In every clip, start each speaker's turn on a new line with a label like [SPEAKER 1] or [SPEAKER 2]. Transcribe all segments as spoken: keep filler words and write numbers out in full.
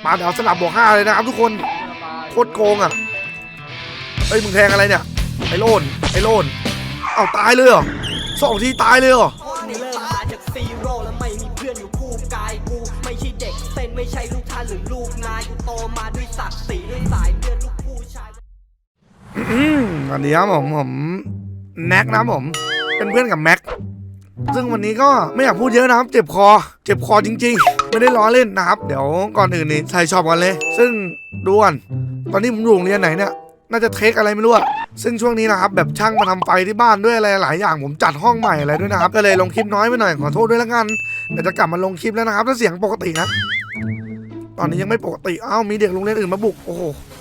[SPEAKER 1] มาเดี๋ยวสลับบวกห้าเลยนะครับทุกคนโคตรโกงอ่ะเฮ้ยมึงแทงอะไรเนี่ยไอ้โลนไอ้โลนเอ้าตายเลยเหรอสองทีตายเลยเหรอ
[SPEAKER 2] เริ่มมาจากซีโร่แล้วไม่มีเพื่อนอยู่คู่กายกูไม่ใช่เด็กเส้นไม่ใช่ลูกท่านหรือลูกนายกูโตมาด้วยศักดิ์ศรีด้วยสายเลือดลูกผู้ชาย
[SPEAKER 1] อืมอันนี้ครับผมผมแน็กนะผมเป็นเพื่อนกับแม็กซึ่งวันนี้ก็ไม่อยากพูดเยอะนะครับเจ็บคอเจ็บคอจริงๆไม่ได้ล้อเล่นนะครับเดี๋ยวก่อนอื่นนี่ใส่ชอบกันเลยซึ่งดูก่อนตอนนี้ผมอยู่โรงเรียนไหนเนี่ยน่าจะเทคอะไรไม่รู้อะซึ่งช่วงนี้นะครับแบบช่างมาทำไฟที่บ้านด้วยอะไรหลายอย่างผมจัดห้องใหม่อะไรด้วยนะครับก็เลยลงคลิปน้อยไปหน่อยขอโทษด้วยแล้วกันเดี๋ยวจะกลับมาลงคลิปแล้วนะครับถ้าเสียงปกตินะตอนนี้ยังไม่ปกติอ้าวมีเด็กโรงเรียนอื่นมาบุกโอ้โห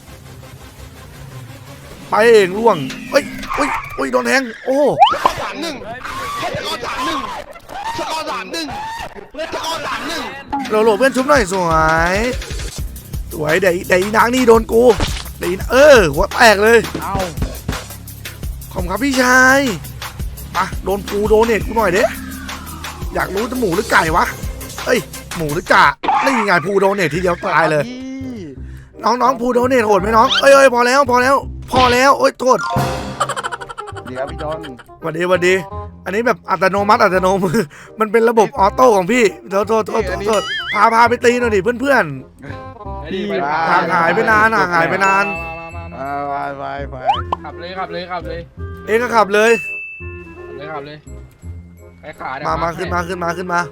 [SPEAKER 1] ไปเองล่วงเฮ้ยเฮ้ยเฮ้ยโดนแทงโอ้
[SPEAKER 3] สามหนึ่งแค่จะกอสามหนึ่งสกอร์สามหนึ่งสกอร์สามหนึ่ง
[SPEAKER 1] โหลโหลเพื่อนชุบหน่อยสวยสวยเดี๋ยวเดี๋ยวนางนี่โดนกูเดี๋ยวเออหัวแตกเลยเอาขอบคุณครับพี่ชายมาโดนปูโดนเน็ตกูหน่อยเด้อยากรู้จะหมูหรือไก่วะเอ้ยหมูหรือกะนี่ไงปูโดนเน็ตทีเดียวตายเลยน้องน้องปูโดนเน็ตโหดไหมน้องเอ้ยเอ้ยพอแล้วพอแล้วพอแล้วโอ๊ยโทษ
[SPEAKER 3] ดีครับพี่จอน
[SPEAKER 1] วันดีวันดีอันนี้แบบอัตโนมัติอัตโนมือมันเป็นระบบออโต้ของพี่โทษโทษโทษโทษพาพาไปตีหน่อยดิเพื่อนเพื่อนห่างหายไปนานห่างหายไปนาน
[SPEAKER 3] ไปไปไป
[SPEAKER 4] ขับเลยขับเลยขับเลย
[SPEAKER 1] เองก็ขับเลย
[SPEAKER 4] เลยขับเลยไปขา
[SPEAKER 1] มามาขึ้นมาขึ้นมาขึ้นมา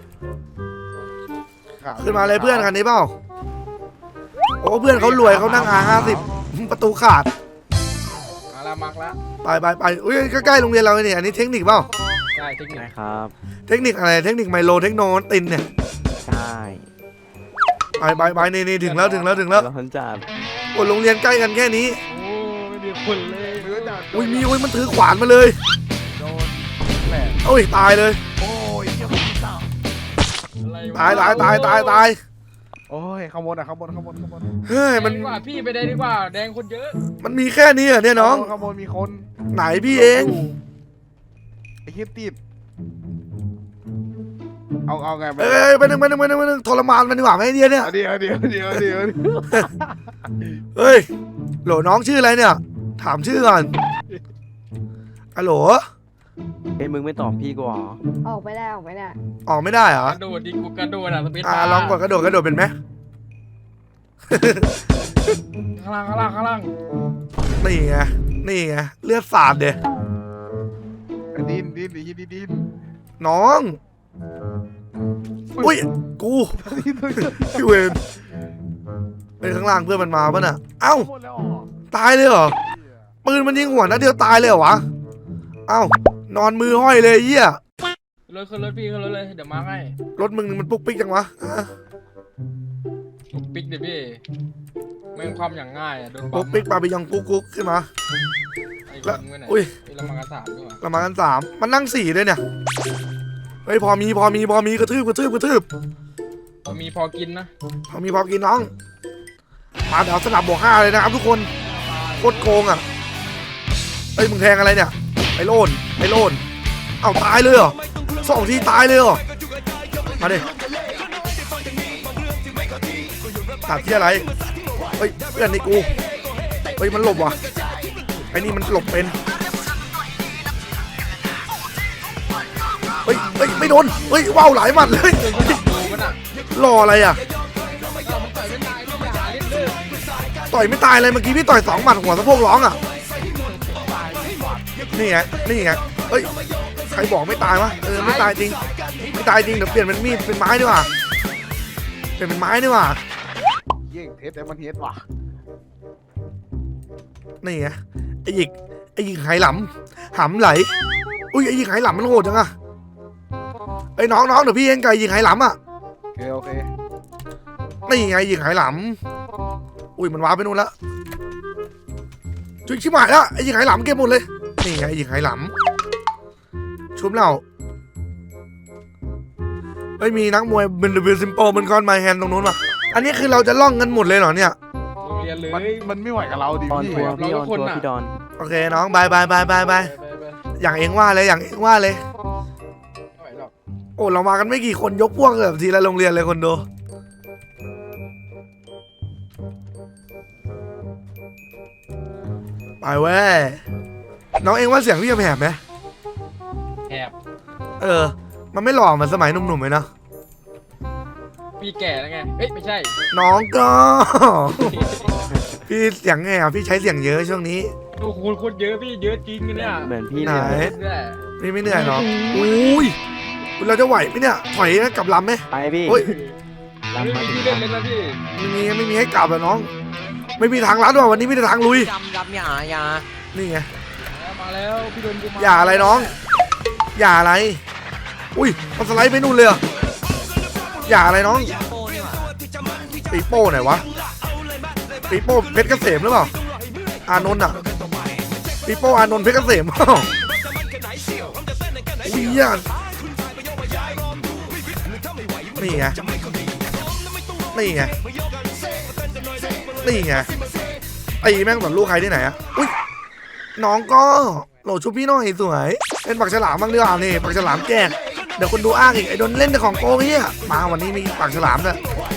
[SPEAKER 1] ขึ้นมาเลยเพื่อนคันนี้เปล่าโอ้เพื่อนเขารวยเขานั่งอาห้าสิบประตูขาด
[SPEAKER 4] มาละมักละ
[SPEAKER 1] ไปไปไปอุ้ยใกล้ๆโรงเรียนเราเนี่ยอันนี้เทคนิคเปล่า
[SPEAKER 4] ใช่เทคนิค
[SPEAKER 5] ครับ
[SPEAKER 1] เทคนิคอะไรเทคนิคไมโลเทคโนตินเนี่ย
[SPEAKER 5] ใช่
[SPEAKER 1] ไปไปไปนี่นี่ถึงแล้วถึงแล้วถึงแล้ว
[SPEAKER 5] เราจัด
[SPEAKER 1] โอ้โรงเรียนใกล้กันแค่นี้
[SPEAKER 4] โอ้ไม่มีคนเลย
[SPEAKER 1] อุ้ยมีอุ้ยมันถือขวานมาเลย
[SPEAKER 4] โดนแหลก
[SPEAKER 1] โอ้ยตายเลย
[SPEAKER 4] โอ้ย
[SPEAKER 1] ตายตายตายตายตาย
[SPEAKER 3] โอ้ยข้างบนอ่ะข้างบนข้างบนข้างบน
[SPEAKER 1] เฮ้ยมัน
[SPEAKER 4] ดีกว่าพี่ไปได้ดีกว่าแดงคนเยอะ
[SPEAKER 1] มันมีแค่นี้เหรอเนี่ยน้อง
[SPEAKER 3] ข้างบนมีคน
[SPEAKER 1] ไหนพี่เอง
[SPEAKER 3] ไอ้เหี้ยติดเอาเอาไง
[SPEAKER 1] เอ้ยไปหนึ่งไปหนึ่งไปหนึ่งไปหนึ่งทรมานมันดีกว่าไหมเนี่ยเนี่ย
[SPEAKER 3] เดี๋ยวเดี๋ยวเดี๋ยวเดี๋ยว
[SPEAKER 1] เฮ้ยโหลน้องชื่ออะไรเนี่ยถามชื่อก่อนฮัลโหล
[SPEAKER 5] เอ้ยมึงไม่ตอบพี่กูหรอ
[SPEAKER 6] ออกไม่ได้ออกไม่ได้
[SPEAKER 1] ออกไม่ได้เหรอก
[SPEAKER 4] ระโดดดิกูกระโดดอ่ะสปีด
[SPEAKER 1] อ่าลองกดกระโดดกระโดดเป็นไหม
[SPEAKER 4] ข้างล่างข้างล่างข้างล่าง
[SPEAKER 1] นี่ไงนี่ไงเลือดสาดเด้
[SPEAKER 3] ดินดินดินดินดิน
[SPEAKER 1] น้องอุ้ยกูพี่เวนไปข้างล่างเพื่อนมันมาป่ะน่ะเอ้าตายเลยเหรอปืนมันยิงหัวนัดเดียวตายเลยเหรอวะเอ้านอนมือห้อยเลยเหี้ย
[SPEAKER 4] รถขึ้นรถพี่ขึ้นรถเลยเดี๋ยวมาให้
[SPEAKER 1] รถมึงมันปุ๊กปิ๊กจังวะ
[SPEAKER 4] ปุ๊กปิ๊กเดี๋ยวพี่แม่งความอย่างง่ายอ่ะโดน
[SPEAKER 1] ปุ๊กปิ๊กปาไปยังกุ๊กกุ๊กขึ้นมา
[SPEAKER 4] แล้วอุ้ยเรามากันสามด้วย
[SPEAKER 1] เรามากันสามมันนั่งสี่ด้วยเนี่ยเฮ้ยพอมีพอมีพอมีกระทืบกระทืบกระทืบ
[SPEAKER 4] พอมีพอกินนะ
[SPEAKER 1] พอมีพอกินน้องมาเดี๋ยวสลับบวกห้าเลยนะครับทุกคนโคตรโกงอ่ะเฮ้ยมึงแทงอะไรเนี่ยไอ้โลนไอ้โลนเอ้าตายเลยเหรอสองทีตายเลยเหรอมาดิตัดที่อะไรเฮ้ยเพื่อนนี่กูเฮ้ยมันหลบว่ะไอ้นี่มันหลบเป็นเฮ้ยเฮ้ยไม่โดนเฮ้ยว้าวหลายหมัดเลยรออะไรอ่ะต่อยไม่ตายเลยเมื่อกี้พี่ต่อยสองหมัดหัวสะโพกร้องอ่ะนี่ไงนี่ไงเฮ้ยใครบอกไม่ตายวะเออไม่ตายจริงไม่ตายจริงเดี๋ยวเปลี่ยนเป็นมีดเป็นไม้ดีกว่าเปลี่ยนเป็นไม้ดีกว่า
[SPEAKER 3] เย่งเทสแต่มันเทสว่ะ
[SPEAKER 1] นี่ไงไอ้หยิกไอ้หยิกไหหลำหำไหลอุ้ยไอ้หยิกไหหลำมันโหดจังอะไอ้น้องน้องเดี๋ยวพี่เองไก่หยิกไหหลำอะ
[SPEAKER 3] โอเคโอเค
[SPEAKER 1] นี่ไงหยิกไหหลำอุ้ยมันว้าไปนู่นละจุ๊ยชิบหายแล้วไอ้หยิกไหหลำเก็บหมดเลยนี่ไงหยิกไหหลำชุบเราเฮ้ยมีนักมวยเป็นเบลซิมโปเป็นคอนไมแฮนตรงนู้นป่ะอันนี้คือเราจะล่องกันหมดเลยเหรอเนี่ย
[SPEAKER 4] โรงเรียนเลย
[SPEAKER 3] มันไม่ไหวกับเราดิ
[SPEAKER 5] พี่พี่ดอนตัวพี่ดอน
[SPEAKER 1] โอเคน้องบายบายบายบายบายอย่างเองว่าเลยอย่างเองว่าเลยโอ้เรามากันไม่กี่คนยกพวกแบบทีละโรงเรียนเลยคนดูไปเว้ยน้องเองว่าเสียงพี่จะแหบไหม
[SPEAKER 4] แอบ
[SPEAKER 1] เออ มันไม่หล่อเหมือนสมัยหนุ่มๆเลยนะ
[SPEAKER 4] พี่แก่แล้วไงเอ้ยไม่ใช่
[SPEAKER 1] น้องก็ พี่เสียงไงอ่ะพี่ใช้เสียงเยอะช่วงนี้
[SPEAKER 4] ดูคุณคุณเยอะพี่เยอะจริงเนี่ย
[SPEAKER 5] เหมือนพี่
[SPEAKER 1] ไหน
[SPEAKER 5] เลย
[SPEAKER 4] เรื่อย
[SPEAKER 1] พี่ไม่เหนื่อยหรออุ้ยเราจะไหวไหมเนี่ยถอยกลับลำไหม
[SPEAKER 5] ไปพี่
[SPEAKER 1] โอ้ย
[SPEAKER 4] ๆ
[SPEAKER 5] ลำ
[SPEAKER 4] ไม่
[SPEAKER 5] มา
[SPEAKER 4] มี
[SPEAKER 5] ถึง
[SPEAKER 4] ที่เล่นเลยนะพี่
[SPEAKER 1] ไม่มีไม่มีให้กลับแล้วน้อง ไม่มีทางลัดว่ะวันนี้มีแต่ทางลุย
[SPEAKER 2] ยำยำอย่าอย่า
[SPEAKER 1] นี่ไง
[SPEAKER 4] มาแล้วพี่โดนกูมา
[SPEAKER 1] อย่าอะไรน้อง อย่าอะไร อุ้ยมันสไลด์ไปนู่นเลยเหรออย่าอะไรน้อง
[SPEAKER 2] โป้นี่หว่า
[SPEAKER 1] ปีโป้ไหนวะปีโป้เพชรเกษมหรือเปล่าอานนท์อ่ะปีโป้อานนท์เพชรเกษม อุ้ยอ่ะนี่ไงนี่ไงนี่ไงไอ้แม่งเหมือนลูกใครที่ไหนอะอุ้ยน้องก็โหลดชุบพี่หน่อยสวยเป็นปากฉลามบ้างดีกว่านี่ปากฉลามแจกเดี๋ยวคนดูอ้างอีกไอ้โดนเล่นแต่ของโกงเนี่ยมาวันนี้มีปากฉลามด้วย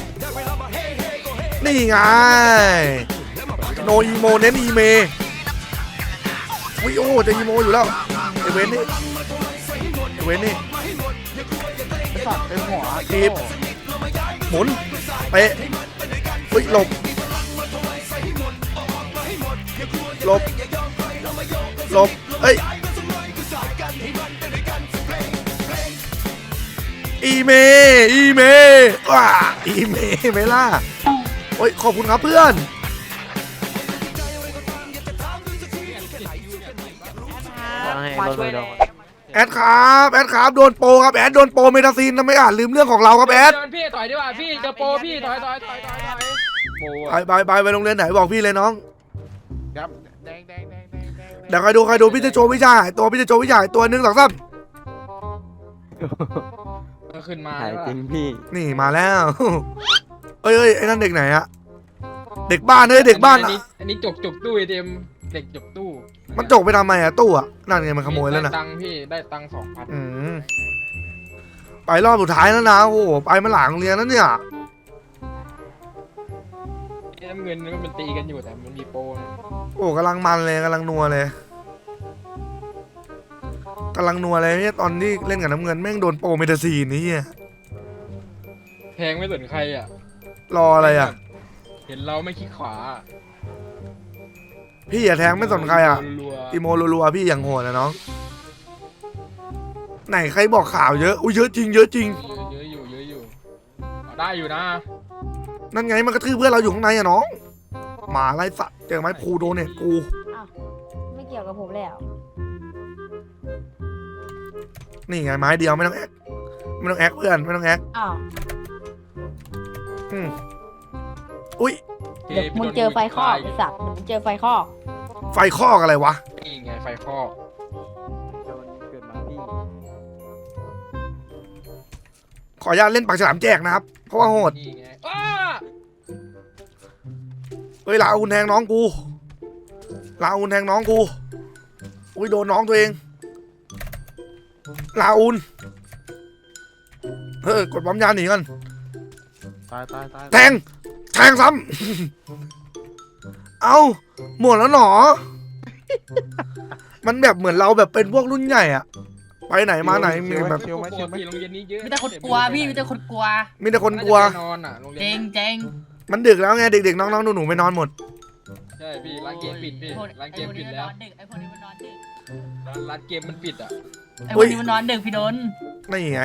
[SPEAKER 1] นี่ไงโนอีโมเน้นอีเมวิโอจะอีโมอยู่แล้วไอเวนนี่ไอเวนนี่
[SPEAKER 4] สัตว์เต็มหัว
[SPEAKER 1] ทีบหมุนเป๊ะเฮ้ยหลบหลบหลบเฮ้ยอีเมอีเมว้าอีเมไหมล่ะโอ้ยขอบคุณครับเพื่อน
[SPEAKER 5] มาช่วยเลย
[SPEAKER 1] แอดครับแอดครับโดนโปรครับแอดโดนโปรเมทาซีนทำไมอ่านลืมเรื่องของเราครับแอด
[SPEAKER 4] เดินพี่ถอยดีกว่าพี่เจอโปรพี่ถอยถอยถอยถอยถอยโปร
[SPEAKER 1] ไป
[SPEAKER 4] อะ
[SPEAKER 1] ไปไปไปโรงเรียนไหนบอกพี่เลยน้อง
[SPEAKER 4] ครับแดงแดงแดงแดงแดง
[SPEAKER 1] เดี๋ยวใครดูใครดูพี่จะโจวิชาหายตัวพี่จะโจวิชาหายตัวหนึ่งสองสาม
[SPEAKER 4] มันขึ้นมา
[SPEAKER 5] หายจริงพี่
[SPEAKER 1] นี่มาแล้ว เอ้ยเอ้ยไอ้นั่นเด็กไหนอะเด็กบ้านเอ้ยเด็กบ้าน
[SPEAKER 4] อั
[SPEAKER 1] อะ
[SPEAKER 4] นี้อันนี้จกจกตู้ไอเต็มเด็กจกตู้
[SPEAKER 1] มันจกไปทำไมอะตู้อะนั่นไงมันขโมยแล้วนะ
[SPEAKER 4] ได้ตังค์พี่ได้ตังค์สองพัน
[SPEAKER 1] อืมไปรอบสุดท้ายแล้วนะโอ้โหไปมาหลังโรงเรียนแล้วเนี่ย
[SPEAKER 4] น้ำเงินก็มันตีกันอยู่แต่มันมีโปรนะ
[SPEAKER 1] โอ้กำลังมันเลยกำลังนัวเลยกำลังนัวเลยเนี่ยตอนที่เล่นกับน้ำเงินแม่งโดนโปรเมทาซีนนี่เหี้ย
[SPEAKER 4] แพงไม่สนใครอ่ะ
[SPEAKER 1] รออะไรอะ
[SPEAKER 4] เห็นเราไม่คิดขวา
[SPEAKER 1] พี่อย่าแทงไม่สนใครอะ
[SPEAKER 4] รัวๆ
[SPEAKER 1] อีโมรัวๆพี่อย่างโหดนะน้องไหนใครบอกข่าวเยอะอุ้ยเยอะจริงเยอะจริง
[SPEAKER 4] เยอะอยู่เยอะอยู่เอาได้อยู่นะ
[SPEAKER 1] นั่นไงมันกระทืบเพื่อนเราอยู่ข้างในอะน้องหมาไล่สัตว์เจอไหมพูโดนเนี่ยกู
[SPEAKER 6] อ้าวไม่เกี่ยวกับผมแล้ว
[SPEAKER 1] นี่ไงไม้เดียวไม่ต้องแอคไม่ต้องแอคเพื่อนไม่ต้องแอค
[SPEAKER 6] อ้าว
[SPEAKER 1] อืมอุ้ย
[SPEAKER 4] โค
[SPEAKER 6] เดี๋ยวมึงเจอไฟคอกไอ้สัตว์เดี๋ยวมึงเจอไฟคอก
[SPEAKER 1] ไฟคอกอะไรวะ
[SPEAKER 4] นี่ไงไฟคอก
[SPEAKER 5] โดนเกิดมาพี่
[SPEAKER 1] ขออนุญาตเล่นปากฉลามแจกนะครับเพราะว่าโหด
[SPEAKER 4] นี่ไงอ้า
[SPEAKER 1] เฮ้ยลาอุนแทงน้องกูลาอุนแทงน้องกูอุ้ยโดนน้องตัวเองลาอุนเฮ้ยกดปั๊มยาหนีกัน
[SPEAKER 5] ตายตายตาย
[SPEAKER 1] แทงแทงซ้ำ เอาหมดแล้วหนอ มันแบบเหมือนเราแบบเป็นพวกรุ่นใหญ่อะไปไหนมาไหนมีแบบ
[SPEAKER 4] กลัวพี่โรงเรียนนี้เยอะ
[SPEAKER 7] มีแต่คนกลัวพี่มีแต่คนกลัว
[SPEAKER 1] มีแต่คนกลัว
[SPEAKER 4] น่าจะไปนอนอ่ะโรงเรียน
[SPEAKER 7] เจง
[SPEAKER 4] น่ะ
[SPEAKER 7] เจง
[SPEAKER 1] มันดึกแล้วไงเด็กๆน้องๆหนูๆไปนอนหมด
[SPEAKER 4] ใช่พี่ร้านเกมปิดพี่
[SPEAKER 7] ไอ้พวก
[SPEAKER 4] ร้านเก
[SPEAKER 7] ไอ้
[SPEAKER 4] ม
[SPEAKER 7] พวก
[SPEAKER 4] ปิ
[SPEAKER 7] นี้
[SPEAKER 4] ด
[SPEAKER 7] มัน
[SPEAKER 4] แล้
[SPEAKER 7] น
[SPEAKER 4] ว
[SPEAKER 7] อนดึกไอ้พวกนี้มันนอนดึก
[SPEAKER 4] ร้านร้านเกมมันปิดอ่ะ
[SPEAKER 7] ไอ้พวกนี้มันนอนดึกพี่โดน
[SPEAKER 1] นี่ไง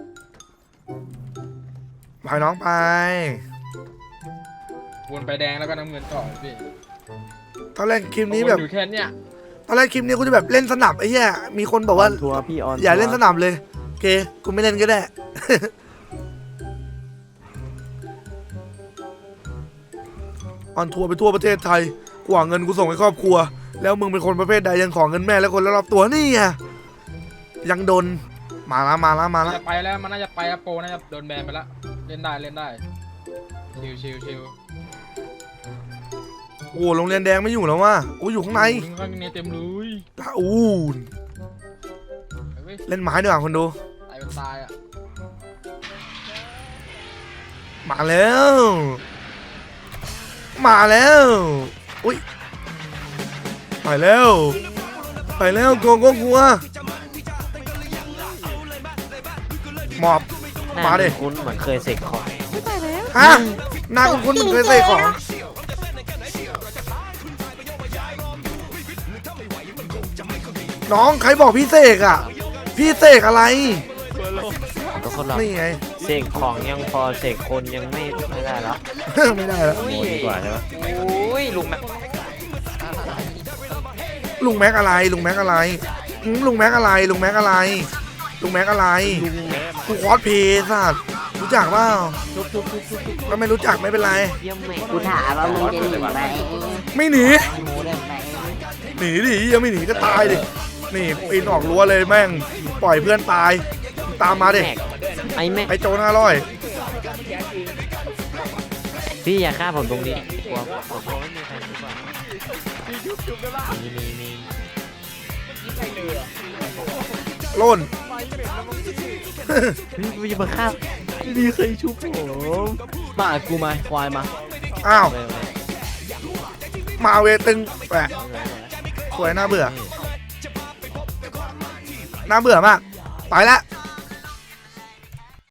[SPEAKER 1] ไปน้องไป
[SPEAKER 4] วนไปแดงแล้วก็น้ำเงินต่อพี่
[SPEAKER 1] ตอนแรกคลิปนี้แบบ
[SPEAKER 4] วนอยู่แค่เนี้ย
[SPEAKER 1] ตอนแรกคลิปนี้กูจะแบบเล่นสนับไอ้เหี้ยมีคนบอกว่า
[SPEAKER 5] ทัวร์พี่ออน
[SPEAKER 1] อย่าเล่นสนับเลยโอเคกูไม่เล่นก็ได้ ออนทัวร์ไปทั่วประเทศไทยกว่าเงินกูส่งให้ครอบครัว แล้วมึงเป็นคนประเภทใดยังขอเงินแม่และคนรอบๆตัวนี่ไงยังโดนมาละมาละมาละ
[SPEAKER 4] จะไปแล้วมันน่าจะไปอะโปรน่าจะโดนแบนไปแล้วเล่นได้เล่นได้ชิวชิวชิว
[SPEAKER 1] โอ้โรงเรียนแดงไม่อยู่แล้วว่ะโอ้อยู่ข้างใน
[SPEAKER 4] ข้างในเต็มเลย
[SPEAKER 1] ลาอูน
[SPEAKER 4] ไปเว้ย
[SPEAKER 1] เล่นไม้ดีกว่าคนดู
[SPEAKER 4] ตายเป็นตายอ่ะ
[SPEAKER 1] มาแล้วมาแล้วอุ้ยไปแล้วไปแล้วกลัวกลัวกลัวหมอบมาดิ
[SPEAKER 5] คุณเหมือนเคยเสกของ
[SPEAKER 1] ฮะหน้าคุณคุณเคยเสกของน้องใครบอกพี่เสกอ่ะพี่เสกอะไร
[SPEAKER 5] ทุกคนเรา
[SPEAKER 1] นี่ไง
[SPEAKER 5] เสกของยังพอเสกคนยังไม่ไม่ได้แล้ว
[SPEAKER 1] ไม่ได้แล้ว
[SPEAKER 5] โมดีกว่าใช่ไหม
[SPEAKER 3] อุ้ยลุงแม็ก
[SPEAKER 1] ลุงแม็กอะไรลุงแม็กอะไรอืมลุงแม็กอะไรลุงแม็กอะไรลุงแม็กอะไรกูคอสเพย์สัตว์รู้จักเปล่าก็ไม่รู้จักไม่เป็นไร
[SPEAKER 5] เยี่ยมแม่
[SPEAKER 6] กูถามว่ามึงจะหนีไหม
[SPEAKER 1] ไม่หนี
[SPEAKER 6] หมูได้ไหม
[SPEAKER 1] หนีดิยังไม่หนีก็ตายดินี่ปีนออกรั้วเลยแม่งปล่อยเพื่อนตายตามมาดิ
[SPEAKER 5] แม็กไอ้แม่
[SPEAKER 1] ไอ้โจรห้าร้อย
[SPEAKER 5] พี่อย่าฆ่าผมตรงนี้กลัวผมกลัวไม่มีใครทุกคนมีมีมี
[SPEAKER 1] โล่น
[SPEAKER 5] พี่พี่จะมาฆ่าไม่มีใครชุบผมมากูมาควายมา
[SPEAKER 1] อ้าว
[SPEAKER 5] ไม่ไม่
[SPEAKER 1] มาเวตึงแหวะสวยน่าเบื่อน่าเบื่อมากไปละ